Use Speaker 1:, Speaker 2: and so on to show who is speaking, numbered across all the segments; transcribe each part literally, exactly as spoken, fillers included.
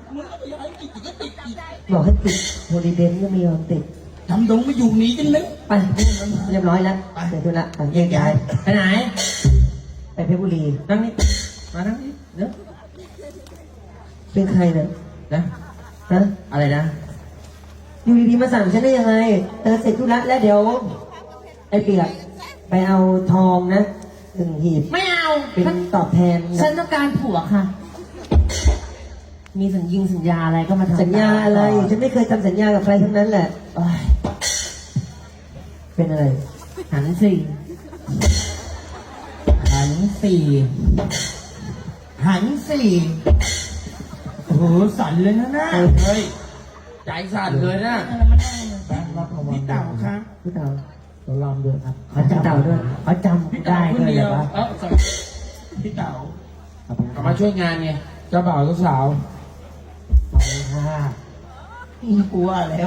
Speaker 1: มึงก็ไปย้ายติดก็ติดอีก
Speaker 2: บอกให้ติดโฮลิเดนก็ไม่ยอมติด
Speaker 1: ทำดงไม่อยู่หนีกันเลย
Speaker 2: ไปเรียบร้อยแล้วเสร็จธุระไปแยกย้าย
Speaker 3: ไปไหน
Speaker 2: ไปเพชรบุรี
Speaker 3: นั่งนี่มานั่งนี่เดี๋ยว
Speaker 2: เป็นใครเนี่ย
Speaker 3: นะ
Speaker 2: ฮะ
Speaker 3: อะไรนะ
Speaker 2: อยู่ดีๆมาสั่งฉันได้ยังไงเออเสร็จธุระแล้วเดี๋ยวไอ้เปียกไปเอาทองนะหนึ่งหีบ
Speaker 3: ไม่เอา
Speaker 2: เป็นตอบแทน
Speaker 3: ฉันต้องการผัวค่ะ มีสัญญิงสัญญาอะไรก็มาทำ
Speaker 2: สัญญาอะไรฉันไม่เคยทำสัญญากับใครทั้งนั้นแหละ
Speaker 3: โอ๊ย
Speaker 2: เป็นอะไร
Speaker 3: หันสี่หันสี่หันสี่โอ้โหสั่นเลยนะน่า
Speaker 1: เฮ้ยใจสั่นเลยนะพี่เต่าครับ
Speaker 2: พี่เต่า
Speaker 3: เราลองดูครับ
Speaker 2: เขาจำเต่าด้วย
Speaker 3: เขาจ
Speaker 1: พี่
Speaker 3: ำ
Speaker 1: เต่า
Speaker 3: ได้
Speaker 1: คน
Speaker 3: ด้วย
Speaker 1: เดี
Speaker 3: เหร
Speaker 1: ยว
Speaker 3: อวะ
Speaker 1: เออพี่เต่า
Speaker 3: เอามาช่วยงานไงเจ้าบ่าวเจ้าสาวเอาเลยค่ะ
Speaker 1: กลัวแล้ว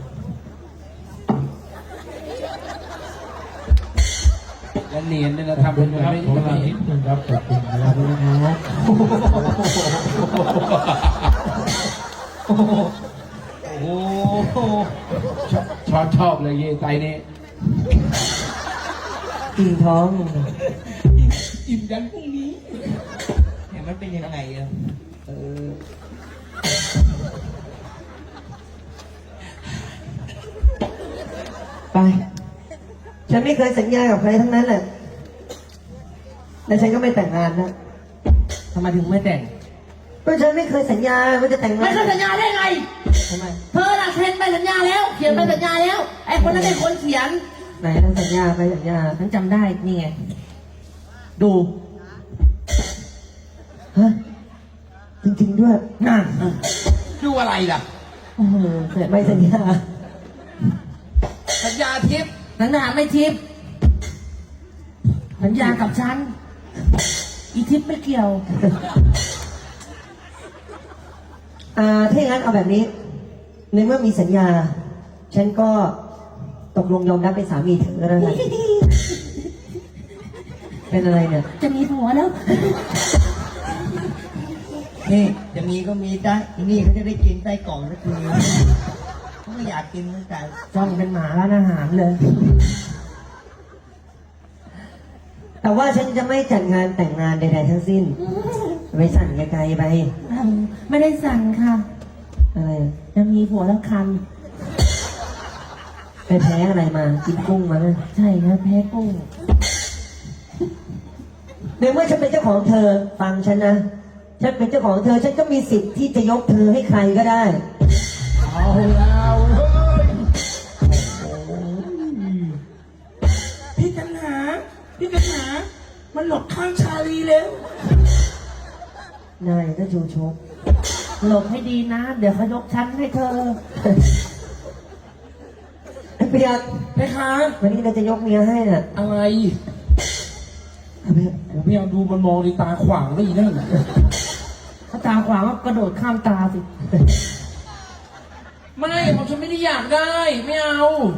Speaker 3: แล้วเนียนเนี่ยนะทำเป็นเหมือนไม่
Speaker 4: ผม
Speaker 3: ไม่
Speaker 4: ลา
Speaker 3: เห็
Speaker 4: นิ
Speaker 3: น
Speaker 4: ดนึงครับขอบคุณนะ
Speaker 2: ข
Speaker 4: ค
Speaker 2: อ
Speaker 4: รั
Speaker 2: บบ คุณนะครับ
Speaker 1: โอ้โห
Speaker 3: โอ้โหชอบชอบชอบเลยเย่ไตนี่
Speaker 2: กิ่งท้อง
Speaker 1: อิ่มยันพรุ่งนี้เห็นมันเป็นยังไงอะเออ
Speaker 2: ไป ฉันไม่เคยสัญญากับใครทั้งนั้นแหละและฉันก็ไม่แต่งงานนะ
Speaker 3: ทำไมถึงไม่แต่ง
Speaker 2: เพราะฉันไม่เคยสัญญาว่าจะแต่งงา
Speaker 3: ไม่
Speaker 2: น
Speaker 3: เคยสัญญาได้ไง
Speaker 2: ทำไม
Speaker 3: เธอน่ะเซ็นใบสัญญาแล้ว เขียนใบสัญญาแล้ว ไอ้คนนั้นเป็นคนเขียน
Speaker 2: ไหนเราสัญญาไปสัญญา
Speaker 3: ฉันจำได้ นี่ไง ดู
Speaker 2: ฮะจริงๆด้วย
Speaker 3: นั่น
Speaker 1: ดูอะไรล่ะ
Speaker 2: โอ้โหแต่ไม่สัญญา
Speaker 1: สัญญาทิพย์
Speaker 3: สัญญาไม่ทิพย์สัญญากับฉัน อีทิพย์ไม่เกี่ยว
Speaker 2: อ่าถ้าอย่างนั้นเอาแบบนี้ในเมื่อมีสัญญา ฉันก็ตกลงยอมรับเป็นสามีเธอแล้วกันเป็นอะไรเนี่ย
Speaker 3: จะมีผัวแล้ว
Speaker 1: นี่จะมีก็มีได้นี่เขาจะได้กินไส้กรอกสักทีเขาไม่อยากกินเหมือนกัน
Speaker 3: จ้องเป็นหมาร้านอาหารเลย
Speaker 2: แต่ว่าฉันจะไม่จัดงานแต่งงานใดๆทั้งสิ้น ไปสั่นไกลๆไป
Speaker 3: ไม่ได้สั่งค่ะ
Speaker 2: อะไรอ่ะ
Speaker 3: จะมีผัวแล้วคัน
Speaker 2: ไปแพ้อะไรมา กินกุ้งมาเนี่ย
Speaker 3: ใช่ครับแพ้กุ้ง
Speaker 2: ในเมื่อฉันเป็นเจ้าของเธอ ฟังฉันนะ ฉันเป็นเจ้าของเธอ ฉันก็มีสิทธิ์ที่จะยกเธอให้ใครก็ได้
Speaker 1: เอาแล้วเฮ้ยพี่กันหาพี่กันหามันหลบข้างชาลีแล้ว
Speaker 2: นายก็ชูชก
Speaker 3: หลบให้ดีนะ เดี๋ยวเขายกชั้นให้เธอ
Speaker 2: ไอ้เปียก
Speaker 1: ไหมคะ
Speaker 2: วันนี้เราจะยกเมียให้น่ะ
Speaker 1: อะไร
Speaker 2: เอาไป
Speaker 1: ผมพยายามดูมันมองในตาขวางได้ยินนั่น
Speaker 3: ถ้าตาขวางก็กระโดดข้ามตาสิ
Speaker 1: ไม่ผมฉันไม่ได้อยากได้ ไม่เอา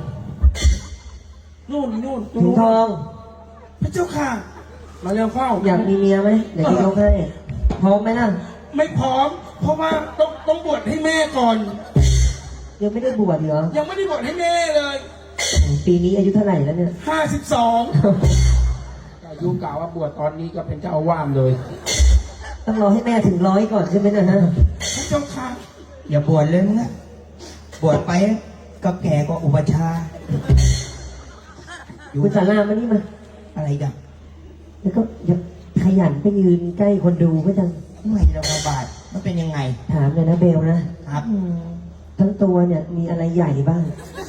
Speaker 1: นู่นนู่น
Speaker 2: ถุงทอง
Speaker 1: พระเจ้าค่ะ มาเร็วเข้า
Speaker 2: อยากมีเมียไหมเดี๋ยวจะยกให้พร้อมไหมล่ะ
Speaker 1: ไม่พร้อม เพราะว่าต้องต้องบวชให้แม่ก่อน
Speaker 2: ยังไม่ได้บวชเหรอ
Speaker 1: ยังไม่ได้บวชให้แม่เลย
Speaker 2: ปีนี้อายุเท่าไหร่แล้วเนี่ย
Speaker 1: ห้าสิบสองอายุกล่าวว่าบวชตอนนี้ก็เป็นเจ้าอาวาสเลย
Speaker 2: ต้องรอให้แม่ถึงร้อยก่อนใช่ไหมนะฮะ
Speaker 1: พระเจ้าค่ะ
Speaker 5: อย่าบวชเลยมึงอะบวชไปก็แก่กว่าอุปชฌาย์
Speaker 2: คุณสารามานี่มา
Speaker 5: อะไรกัน
Speaker 2: แล้วก็อย่าขยันไปยืนใกล้คนดูก็จัง
Speaker 5: ไม่ระบาบาดมันเป็นยังไง
Speaker 2: ถามเลยนะเบลนะครับ ทั้งตัวเนี่ยมีอะไรใหญ่บ้าง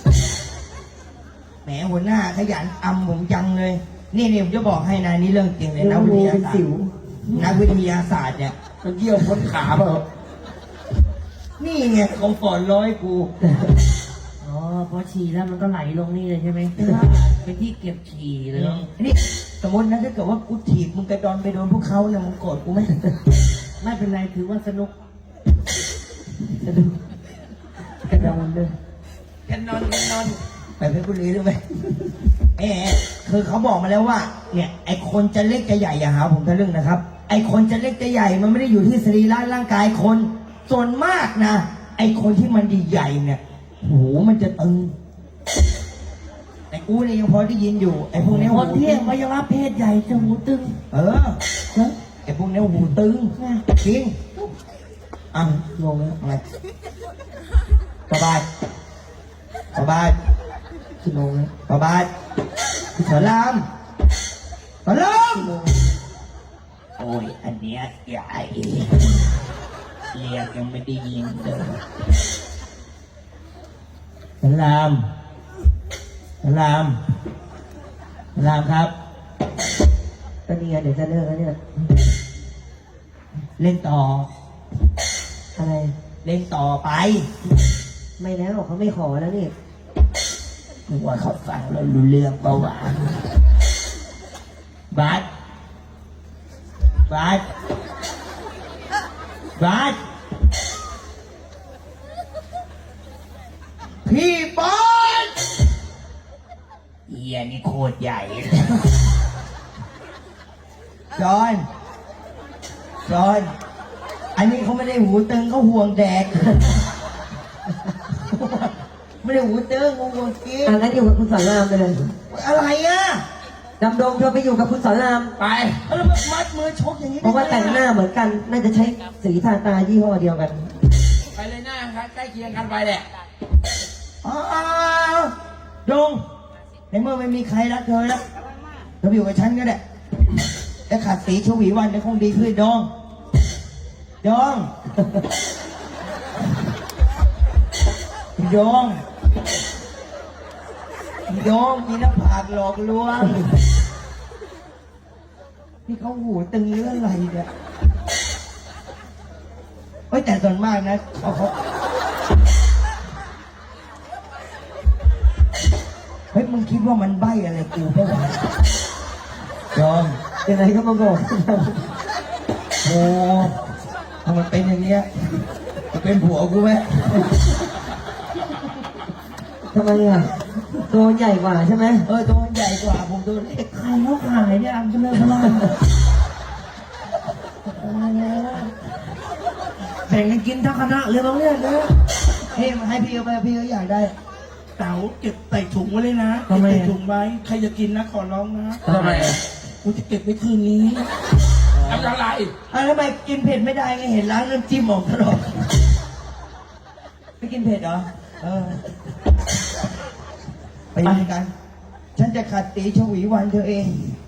Speaker 5: แหมหัวหน้าขยันอำผมจังเลย นี่นี่ผมจะบอกให้นะนี่เรื่องจริงเลย
Speaker 2: เรื่
Speaker 5: นั
Speaker 2: อก ง
Speaker 5: วิท
Speaker 2: งู
Speaker 5: ยา
Speaker 2: เป็น
Speaker 5: ศาสต
Speaker 2: สิว
Speaker 5: ร์นักวิทยาศาสตร์เนี่ย
Speaker 1: มันเยี่ยวพ้นขาเปล่า
Speaker 5: นี่ไงคอมฟอร์ตร้อยกู
Speaker 3: อ๋อพอฉี่แล้วมันก็ไหลลงนี่เลยใช่ไหมเป็นที่เก็บฉี่เลย
Speaker 5: นี่สมมตินะถ้าเกิดว่ากูถีบมึงกระดอนไปโดนพวกเขาเนี่ยมึงโกรธกูไหม
Speaker 3: ไม่เป็นไรถือว่าสนุก
Speaker 2: จะดูกระดอนด้วย
Speaker 5: แกันนอนแกันนอนไปเพชรบุรีหรือไหมเออคือเขาบอกมาแล้วว่า เนี่ยไอคนจะเล็กจะใหญ่อย่าหาผมทะลึ่งนะครับ ไอคนจะเล็กจะใหญ่มันไม่ได้อยู่ที่สรีระร่างกายคนส่วนมากนะไอคนที่มันใหญ่ๆเนี่ยหูมันจะตึงไอ้กูเนี่ยยังพอได้ยินอยู่ไอ้พวกเนี้ย
Speaker 1: ค
Speaker 5: หู
Speaker 1: นเที่ยงวัยวะเพศใหญ่จะหูตึง
Speaker 5: เออไอ้พวกเนี้ยหูตึงจริงอ่ะ
Speaker 2: งงแล้ว
Speaker 5: อะไรสบายสบาย
Speaker 2: กี่โมงแล้ว
Speaker 5: สบายสลามสลามโอ้ยอันเนี้ยใหญ่เรียกยังไม่ได้ยินเลยสลามสลามสลามครับ
Speaker 2: ก็นี่ไงเดี๋ยวจะเลิกแล้วเนี่ย
Speaker 5: เล่นต่อ
Speaker 2: อะไร
Speaker 5: เล่นต่อไป
Speaker 2: ไม่แล้วเขาไม่ขอแล้วนี่
Speaker 5: นึกว่าเขาฟังแล้วรู้เรื่องเปล่าวะบาสบาสบาสพี่บอลเฮียนี่โคตรใหญ่ จอนจอนอันนี้เขาไม่ได้หูตึงเขาห่วงแดก ไม่ได้หูตึงเขาห่วงกิน
Speaker 2: อ่ะงั้นอยู่กับคุณสอนรามไปเลย
Speaker 5: อะไรอ่ะ
Speaker 2: ดำดงเธอไปอยู่กับคุณสอนราม
Speaker 5: ไปแล้วมันมัดมือชกอย่างนี้
Speaker 2: เพราะว่าแต่งหน้าเหมือนกัน น่าจะใช้สีทาตายี่ห้อเดียวกัน
Speaker 3: ไปเลยหน้าครับใกล้เคียงกันไปแหละ
Speaker 5: อ๋อดงในเมื่อไม่มีใครรักเธอแล้วเธอไปอยู่กับฉันก็ได้แต่ขาดสีชวีวันจะคงดีขึ้นดองดองดองดองมีหน้าผากหลอกลวงนี่เขาหูตึงเรื่องอะไรเนี่ยเฮ้ยแต่ส่วนมากนะเขาเขาเฮ้ยมึงคิดว่ามันใบ้อะไรกูเปล่าวะยอม
Speaker 2: ยังไงก็มาบอก
Speaker 5: โอ้ถ้ามันเป็นอย่างเนี้ยจะเป็นผัวกูไหม
Speaker 2: ทำไมอ่ะ ตัวใหญ่กว่าใช่ไหม
Speaker 5: เออตัวมันใหญ่กว่าผมตัวเล็ก
Speaker 1: ใครเขาขายเนี่ยอันจะเลิกพลาดแบ่งกันกินทั้งคณะเลยบางเรื่องนะ
Speaker 5: เฮ้ยมาให้พี่เอาไปพี่ก็อยากได้
Speaker 1: เต๋าเก็บใส่ถุงไว้เลยนะ
Speaker 2: ทำไม
Speaker 1: เก็บ
Speaker 2: อ่ะ
Speaker 1: ใส่ถุงไว้ใครจะกินนะขอร้องนะ
Speaker 3: ทำไม
Speaker 1: กูจะเก็บไว้คืนนี้
Speaker 3: ทำอะไร
Speaker 5: อ่ะทำไมกินเผ็ดไม่ได้ไงเห็นร้านน้ำจิ้มออกตลอดไม่กินเผ็ดเหรอเออไปด้วยกัน ฉันจะขัดตีชวีวันเธอเอง